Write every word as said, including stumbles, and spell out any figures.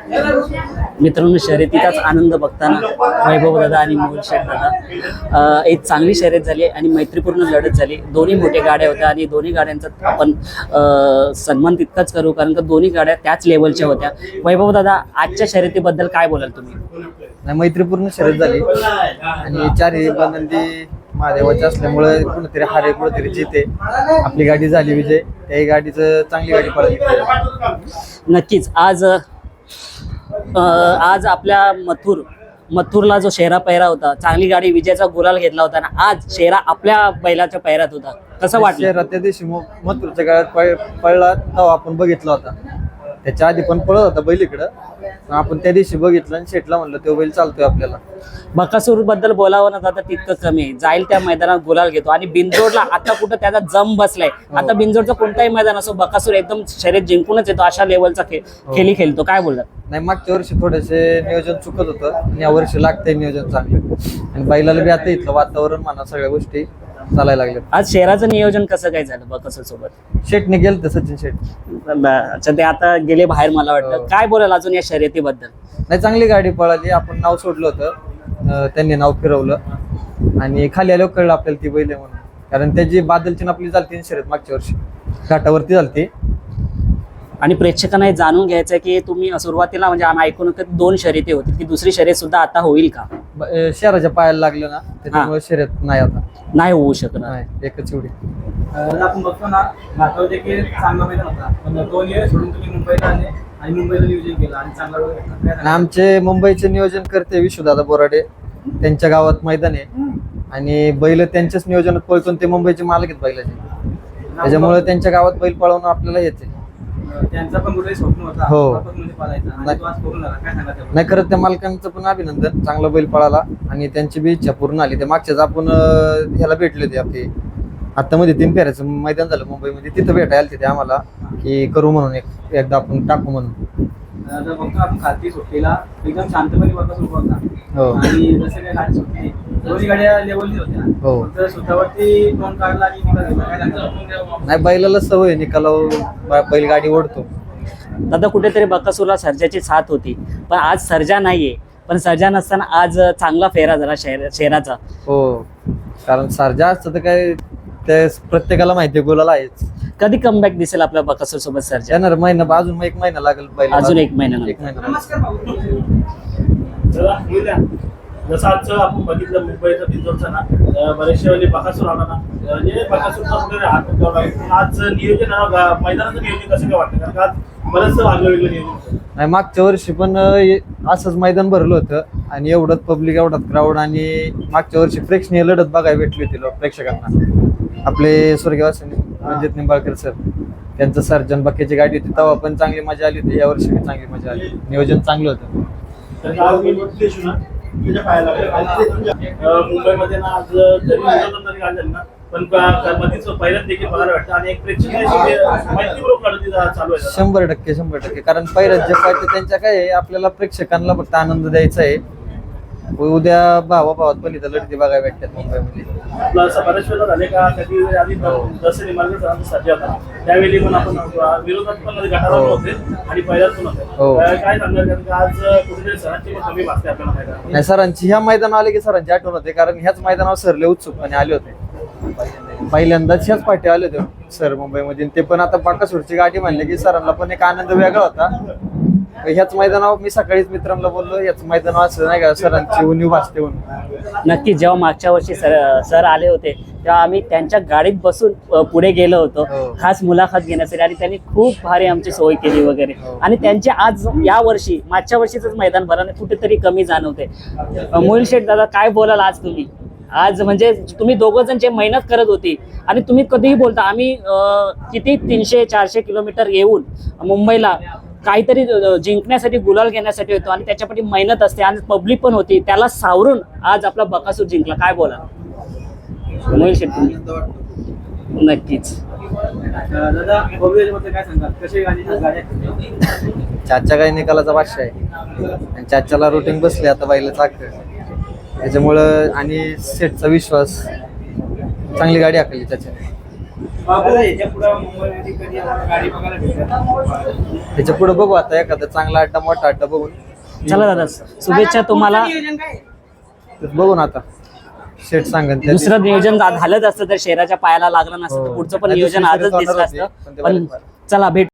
मित्रांनो, शर्यतीचाच आनंद बघताना वैभव दादा आणि मोहन शेठ दादा एक चांगली शर्यत झाली आणि मैत्रीपूर्ण लढत झाली. दोन्ही मोठ्या गाड्या होत्या आणि दोन्ही गाड्यांचा आपण सन्मान तितकाच करू, कारण का दोन्ही गाड्या त्याच लेवलच्या होत्या. वैभव दादा, आजच्या शर्यतीबद्दल काय बोलाल तुम्ही? नाही, मैत्रीपूर्ण शर्यत झाली आणि चारही बंदी महादेवाचे असल्यामुळे कुणीतरी हारे कुणीतरी जिते. आपली गाडी झाली विजय, त्याही गाडीचं चांगली गाडी पळाली. नक्कीच आज आज आपल्या मथुर मथुरला जो शेरा पैरा होता, चांगली गाडी विजयाचा गुलाल घेतला होता ना, आज शेरा आपल्या बैलाच्या पैरात होता. कसं वाटलं? शेरा त्या दिवशी मथुरच्या काळात पळला तेव्हा आपण बघितला होता. त्याच्या आधी पण पळत होता बैल इकडं, आपण त्या दिवशी बघितलं आणि शेटला म्हणलं तो बैल चालतोय आपल्याला. बकासूर बद्दल बोलावं ना दादा तितकं कमी आहे. जाईल त्या मैदानात गुलाल घेतो आणि बिनजोडला आता कुठं त्याचा जम बसलाय. आता बिनजोडचा कोणताही मैदान असो, बकासूर एकदम शर्यत जिंकूनच येतो, अशा लेवलचा खेळी खेळतो. काय बोलतात? नाही, मागच्या वर्षी थोडेसे नियोजन चुकत होतं आणि या वर्षी लागतंय नियोजन चांगलं आणि बैलाला बी आता इथलं वातावरण म्हणा सगळ्या गोष्टी चालायला लागल्या. आज शेराचं नियोजन कसं काय झालं बकासूर सोबत? शेटने गेलं तर सचिन शेट. अच्छा, ते आता गेले बाहेर. मला वाटतं काय बोलाल अजून या शर्यतीबद्दल? नाही, चांगली गाडी पळाली. आपण नाव सोडलं होतं, त्यांनी नाव फिरवलं आणि खाली आल्यावर कळलं आपल्याला ती बैल आहे म्हणून. कारण त्याची बादलची आपली झालती शर्यत मागच्या वर्षी घाटावरती झालती. आणि प्रेक्षकांना हे जाणून घ्यायचं की तुम्ही सुरुवातीला म्हणजे आम्ही ऐकून दोन शर्यती होती, की दुसरी शर्यत सुद्धा आता होईल का? शहराच्या पायाला लागलं ना, त्याच्यामुळे शर्यत नाही आता नाही होऊ शकणार. नाही, एकच एवढी. आपण बघतो ना, घाटावर देखील चांगला मैदान होता, पण दोन वेळ सोडून तुम्ही मुंबईला आले आणि मुंबईला नियोजन केलं आणि चांगला. आमचे मुंबईचे नियोजन करते विश्वदादा बोराडे, त्यांच्या गावात मैदान आहे आणि बैल त्यांच्याच नियोजनात पळतो. ते मुंबईचे मालक आहेत बैलाचे, त्याच्यामुळे त्यांच्या गावात बैल पळवणं आपल्याला येते. त्यांचा पण कुठेही स्वप्न होता हो. नाही, खरं त्या मालकांचं पण अभिनंदन, चांगला बैल पळाला आणि त्यांची बी इच्छा पूर्ण आली. ते मागच्याच आपण ह्याला भेटले होते आपले आता मध्ये तीन फेऱ्याचं मैदान झालं मुंबईमध्ये, तिथं भेटायला आले ते आम्हाला की करू म्हणून, एक एकदा आपण टाकू म्हणून. बघतो आपण खालती सुट्टीला एकदम शांतपणे बघा सुरू होता आणि जसं काही गाडी सुटली दोन्ही गाड्या लेवलची होत्या. हो, तर स्वतःवरती तोंड काढला आणि नाही, बैलाला सवय निकालावर बैल गाडी ओढतो. दादा, कुठेतरी बकासूरला सर्जाची साथ होती, पण आज सर्जा नाहीये. पण सर्जा नसताना आज चांगला फेरा झाला शेर शेराचा. हो, कारण सर्जा असतं तर काय ते प्रत्येकाला माहिती आहे गुलाल आहेच. कधी कमबॅक दिसेल आपल्या बकासूर सोबत सर्जा? येणार महिना, अजून एक महिना लागेल बैल. अजून एक महिना एक महिना. जसं आजचं आपण बघितलं मुंबईचं बिंजोरचं ना, बरेचशे वेळी बकासूर आला ना, म्हणजे बकासूरचा वगैरे हात ठेवला. आज नियोजन मैदानाचं नियोजन कसं काय वाटतं? कारण आज बरंच वागलं वेगळं नियोजन. नाही, मागच्या वर्षी पण असंच मैदान भरलं होतं आणि एवढंच पब्लिक, एवढाच क्राऊड आणि मागच्या वर्षी प्रेक्षणीय लढत बघायला भेटली होती प्रेक्षकांना. आपले स्वर्गवासी रणजित निंबाळकर सर, त्यांचं सर्जन बक्याची गाडी होती तेव्हा पण चांगली मजा आली होती. या वर्षी पण चांगली मजा आली, नियोजन चांगलं होतं. मुंबईमध्ये ना आज जरी तरी झाली ना, पण पहिल्याच देखील बघायला वाटतं आणि एक प्रेक्षणीय मैत्रीपूर्वक लढती चालू आहे. शंभर टक्के शंभर टक्के कारण पहिल्याच जे पाहिजे त्यांच्या काय आहे, आपल्याला प्रेक्षकांना फक्त आनंद द्यायचा आहे. उद्या भावा भावात पण इथं लढती बघायला भेटतात मुंबईमध्ये. आपला बऱ्याच वेळा झाले का, कधी आधी जसं निमार्ग सरांचा सर्जा होता त्यावेळी पण आपण विरोधात पण गटाला होते आणि पहिल्याच पण होते. काय सांगणार, कारण आज कुठेतरी सरांची पण कमी भासते आपल्याला. नाही, सरांची ह्या मैदान आले की सरांची आठवण होते, कारण ह्याच मैदानावर सरले उत्सुकपणे आले होते. पहिल्यांदाच ह्याच पाठी आले होते सर मुंबईमध्ये. ते पण आता बाकासूरची गाडी म्हणले की सरांना पण एक आनंद वेगळा होता. ह्याच मैदानावर मी सकाळीच मित्रांना बोललो, ह्याच मैदानावर असं नाही का सरांची उणीव भासते म्हणून. नक्की, जेव्हा मागच्या वर्षी सर सर आले होते तेव्हा आम्ही त्यांच्या गाडीत बसून पुढे गेलो होतो खास मुलाखत घेण्यासाठी आणि त्यांनी खूप भारी आमची सोय केली वगैरे. आणि त्यांचे आज या वर्षी मागच्या वर्षीच मैदान भराने कुठेतरी कमी जाणवते. मोहिल शेठ दादा, काय बोलाल आज तुम्ही? आज म्हणजे तुम्ही दोघं जण जे मेहनत करत होती आणि तुम्ही कधीही बोलता आम्ही किती तीनशे चारशे किलोमीटर येऊन मुंबईला काहीतरी जिंकण्यासाठी, गुलाल घेण्यासाठी होतो आणि त्याच्यासाठी मेहनत असते आणि पब्लिक पण होती, त्याला सावरून आज आपला बकासूर जिंकला. काय बोला मोहिल शेठ तुम्ही? नक्कीच दादा, भव्यमध्ये काय सांगाल, कशी गाडी गाड्या? चाचा काही निकालाचा भाष्य आहे आणि चाच्याला रुटीन बसले आता बाईला चाक, त्याच्यामुळं आणि सेटचा विश्वास, चांगली गाडी आखली त्याच्याने. बाबू याच्या पुढे मुंबईमध्ये कधी आम्हाला गाडी बघायला भेटेल? त्याच्या पुढे बघू आता एखादा चांगला अड्डा मोठा अड्डा बघून चला दादा शुभेच्छा तुम्हाला. नियोजन काय आहे? तर बघू ना आता शेट सांगन त्या दुसरं नियोजन झा- झालंच असतं तर शेराच्या पायाला लागलं नसतं तर हो. पुढचं पण नाही, नियोजन दुसरी आजच शर्यत दिसलं होणार असतं. होती, पण ते पण बाहेर- चला भेट